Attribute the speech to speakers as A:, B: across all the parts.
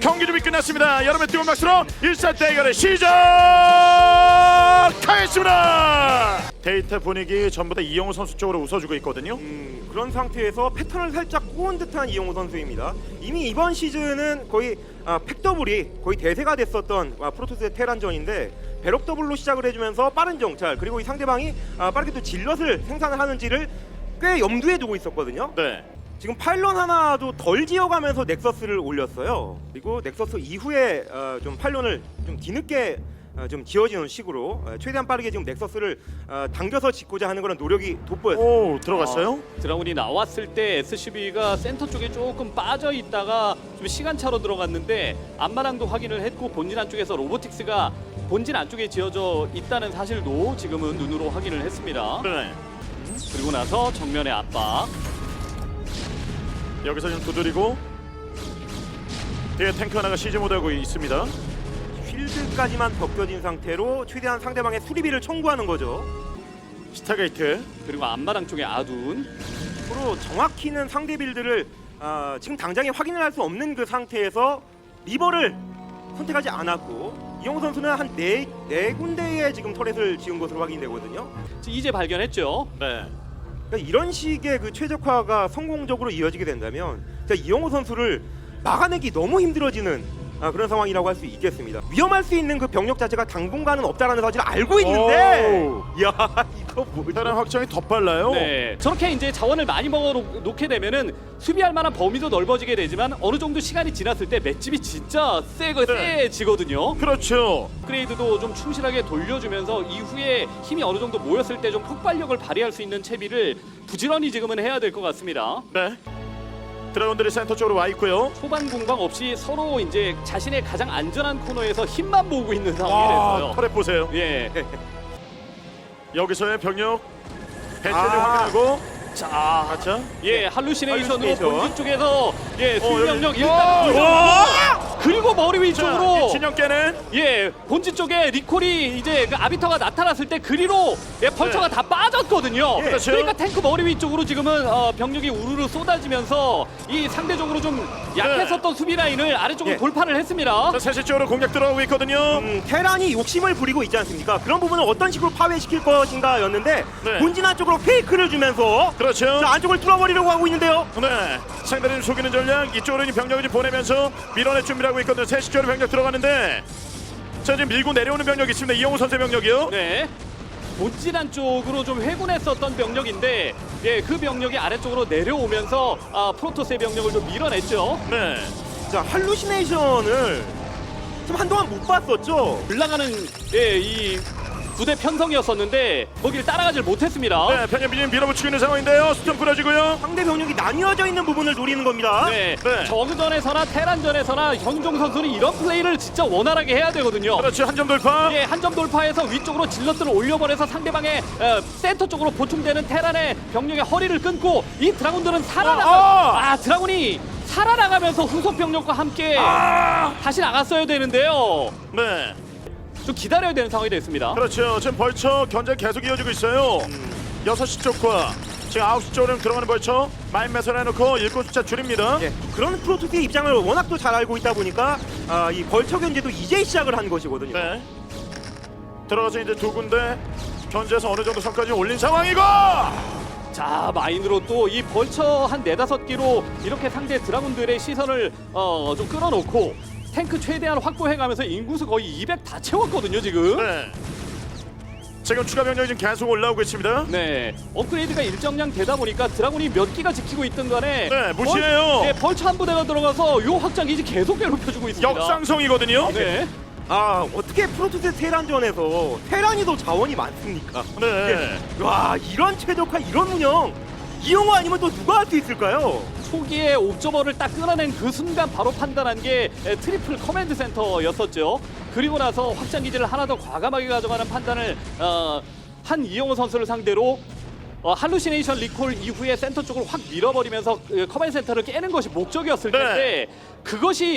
A: 경기 준비 끝났습니다. 여러분의 뜨거운 박수로 1차 대결을 시작하겠습니다. 데이터 분위기 전부 다 이영호 선수 쪽으로 웃어주고 있거든요.
B: 그런 상태에서 패턴을 살짝 꼬은 듯한 이영호 선수입니다. 이미 이번 시즌은 거의 팩더블이 거의 대세가 됐었던 프로토스의 테란전인데 배럭 더블로 시작을 해주면서 빠른 정찰 그리고 이 상대방이 빠르게 또 질럿을 생산을 하는지를 꽤 염두에 두고 있었거든요.
A: 네.
B: 지금 파일런 하나도 덜 지어가면서 넥서스를 올렸어요. 그리고 넥서스 이후에 좀 파일런을 좀 뒤늦게 좀 지어지는 식으로 최대한 빠르게 지금 넥서스를 당겨서 짓고자 하는 그런 노력이 돋보였어요.
A: 오, 들어갔어요?
C: 드라군이 나왔을 때 SCB가 센터 쪽에 조금 빠져 있다가 좀 시간차로 들어갔는데 앞마당도 확인을 했고 본진 안쪽에서 로보틱스가 본진 안쪽에 지어져 있다는 사실도 지금은 눈으로 확인을 했습니다.
A: 네.
C: 그리고 나서 정면의 압박.
A: 여기서 좀 두드리고 뒤에 탱크 하나가 시즈 모드하고 있습니다.
B: 쉴드까지만 벗겨진 상태로 최대한 상대방의 수리비를 청구하는 거죠.
A: 스타게이트.
C: 그리고 앞마당 쪽에 아둔.
B: 서로 정확히는 상대 빌드를 지금 당장에 확인을 할 수 없는 그 상태에서 리버를 선택하지 않았고 이영호 선수는 한 네 군데에 지금 터렛을 지은 것으로 확인되거든요.
C: 이제 발견했죠.
A: 네.
B: 그러니까 이런 식의 그 최적화가 성공적으로 이어지게 된다면 진짜 이영호 선수를 막아내기 너무 힘들어지는 그런 상황이라고 할 수 있겠습니다. 위험할 수 있는 그 병력 자체가 당분간은 없다라는 사실을 알고 있는데, 야 이거 뭐야?
A: 다른 확장이 더 빨라요.
C: 네, 저렇게 이제 자원을 많이 먹어 놓게 되면은 수비할 만한 범위도 넓어지게 되지만 어느 정도 시간이 지났을 때 맷집이 진짜 세지거든요.
A: 그렇죠.
C: 업그레이드도 좀 충실하게 돌려주면서 이후에 힘이 어느 정도 모였을 때 좀 폭발력을 발휘할 수 있는 채비를 부지런히 지금은 해야 될 것 같습니다.
A: 네. 드라곤들이 센터 쪽으로 와 있고요.
C: 초반 공방 없이 서로 이제 자신의 가장 안전한 코너에서 힘만 모으고 있는 상황이
A: 와,
C: 됐어요.
A: 터렛 보세요.
C: 예.
A: 여기서의 병력 배치를 확인하고
C: 자,
A: 가자.
C: 예, 할루시네이션으로
B: 할루시네이션.
C: 본진 쪽에서 예, 수비병력
A: 여기.
C: 일단
A: 와!
C: 그리고 머리
A: 자,
C: 위쪽으로
A: 이 진영 깨는
C: 예, 본진 쪽에 리콜이 이제 그 아비터가 나타났을 때 그리로 예, 벌처가
A: 네.
C: 다 빠졌거든요.
A: 그렇죠.
C: 그러니까 탱크 머리 위쪽으로 지금은 병력이 우르르 쏟아지면서 이 상대적으로 좀 약했었던 수비 라인을 아래쪽으로
B: 예.
C: 돌파를 했습니다.
A: 자, 세시 쪽으로 공격 들어오고 있거든요.
B: 테란이 욕심을 부리고 있지 않습니까? 그런 부분을 어떤 식으로 파괴시킬 것인가였는데
A: 네.
B: 본진 안쪽으로 페이크를 주면서
A: 그렇죠.
B: 자, 안쪽을 뚫어버리려고 하고 있는데요.
A: 네. 상대를 속이는 전략 이쪽으로 이제 병력을 좀 보내면서 밀어낼 준비를 하고 있거든요. 세시 쪽으로 병력 들어가는데 자, 지금 밀고 내려오는 병력이 있습니다. 이영호 선수의 병력이요.
C: 네. 본진 안쪽으로 좀 회군했었던 병력인데 예, 그 병력이 아래쪽으로 내려오면서 프로토스의 병력을 좀 밀어냈죠.
A: 네.
B: 자, 할루시네이션을 좀 한동안 못 봤었죠.
C: 올라가는 예, 이 부대 편성이었었는데 거기를 따라가질 못했습니다.
A: 네, 편협 미님 밀어붙이고 있는 상황인데요. 수점 뿌려지고요.
B: 상대 병력이 나뉘어져 있는 부분을 노리는 겁니다.
C: 네,
A: 네.
C: 저그전에서나 테란전에서나 현종 선수는 이런 플레이를 진짜 원활하게 해야 되거든요.
A: 그렇죠. 한 점 돌파.
C: 예, 한 점 돌파해서 위쪽으로 질럿들을 올려버려서 상대방의 센터 쪽으로 보충되는 테란의 병력의 허리를 끊고 이 드라군들은 드라군이 살아나가면서 후속 병력과 함께 다시 나갔어야 되는데요.
A: 네.
C: 좀 기다려야 되는 상황이 됐습니다.
A: 그렇죠. 지금 벌처 견제 계속 이어지고 있어요. 6시 쪽과 지금 9시 쪽으로 들어가는 벌처 마인 매설 해놓고 일꾼 숫자 줄입니다.
B: 예, 그런 프로토스의 입장을 워낙 또 잘 알고 있다 보니까 이 벌처 견제도 이제 시작을 한 것이거든요.
A: 네. 들어가서 이제 두 군데 견제해서 어느 정도 선까지 올린 상황이고.
C: 자, 마인으로 또 이 벌처 한 4-5기로 이렇게 상대 드라군들의 시선을 좀 끌어놓고 탱크 최대한 확보해가면서 인구수 거의 200 다 채웠거든요, 지금.
A: 네. 지금 추가 병력이 지금 계속 올라오고 있습니다.
C: 네, 업그레이드가 일정량 되다 보니까 드라군이 몇 기가 지키고 있던 간에
A: 네, 무시해요.
C: 벌처 한 부대가 들어가서 요 확장 기지 계속 괴롭혀주고 있습니다.
A: 역상성이거든요.
C: 네,
B: 어떻게 프로토스 테란전에서 테란이 더 자원이 많습니까?
A: 네.
B: 와, 이런 최적화, 이런 운영 이영호 아니면 또 누가 할 수 있을까요?
C: 초기에 옵저버를 딱 끊어낸 그 순간 바로 판단한 게 트리플 커맨드 센터였었죠. 그리고 나서 확장 기지를 하나 더 과감하게 가져가는 판단을 한 이영호 선수를 상대로 할루시네이션 리콜 이후에 센터 쪽으로 확 밀어버리면서 커맨드 센터를 깨는 것이 목적이었을
A: 네.
C: 텐데 그것이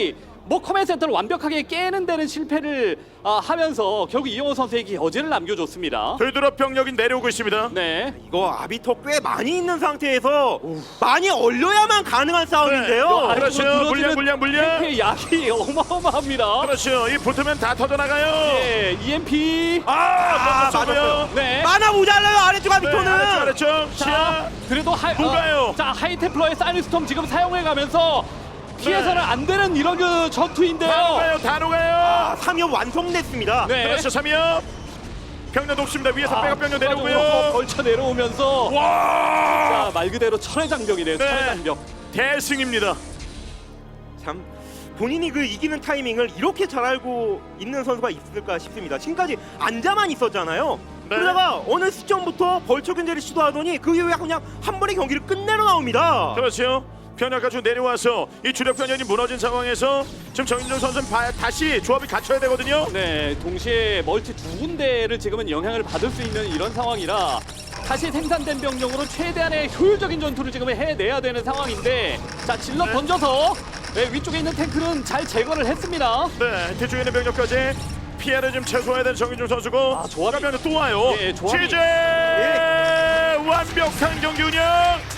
C: 뭐 커맨드 센터를 완벽하게 깨는 데는 실패를 하면서 결국 이영호 선수에게 여지를 남겨줬습니다.
A: 되돌아 병력이 내려오고 있습니다.
C: 네.
B: 이거 아비터 꽤 많이 있는 상태에서 많이 얼려야만 가능한 싸움인데요.
A: 네. 그렇죠. 물량.
C: 의 약이 어마어마합니다.
A: 그렇죠. 이 붙으면 다 터져나가요.
C: 네, EMP.
A: 맞았어요.
C: 네.
B: 만화 모자라요 아래쪽 아비터는.
A: 아래쪽.
C: 자,
A: 시야.
C: 그래도
A: 누가요?
C: 자, 하이테플러의 사이언스톰 지금 사용해가면서 피해서는 안 되는 이런 그 전투인데요.
A: 다 녹아요.
B: 3업 완성됐습니다.
C: 네.
A: 그렇죠. 3위요. 병력 높습니다. 위에서 백업 병력
C: 추가적으로
A: 내려오고요.
C: 걸쳐 내려오면서
A: 와.
C: 자, 말 그대로 철의 장벽이네요.
A: 네.
C: 철의 장벽.
A: 대승입니다.
B: 참 본인이 그 이기는 타이밍을 이렇게 잘 알고 있는 선수가 있을까 싶습니다. 지금까지 앉아만 있었잖아요.
A: 네.
B: 그러다가 어느 시점부터 벌처 견제를 시도하더니 그 이후에 그냥 한 번에 경기를 끝내러 나옵니다.
A: 그렇죠. 변화 가지고 내려와서 이 주력 변형이 무너진 상황에서 지금 정인종 선수는 다시 조합이 갖춰야 되거든요.
C: 네, 동시에 멀티 두 군데를 지금은 영향을 받을 수 있는 이런 상황이라 다시 생산된 병력으로 최대한의 효율적인 전투를 지금 해내야 되는 상황인데 자, 질럿
A: 네.
C: 던져서 네, 위쪽에 있는 탱크는 잘 제거를 했습니다.
A: 네, 뒤쪽에 있는 병력까지 피해를 좀 최소화해야 되는 정인종 선수고
C: 조합이-
A: 추가 병력 또 와요.
C: 예, 조합이-
A: 취재 완벽한 경기 운영.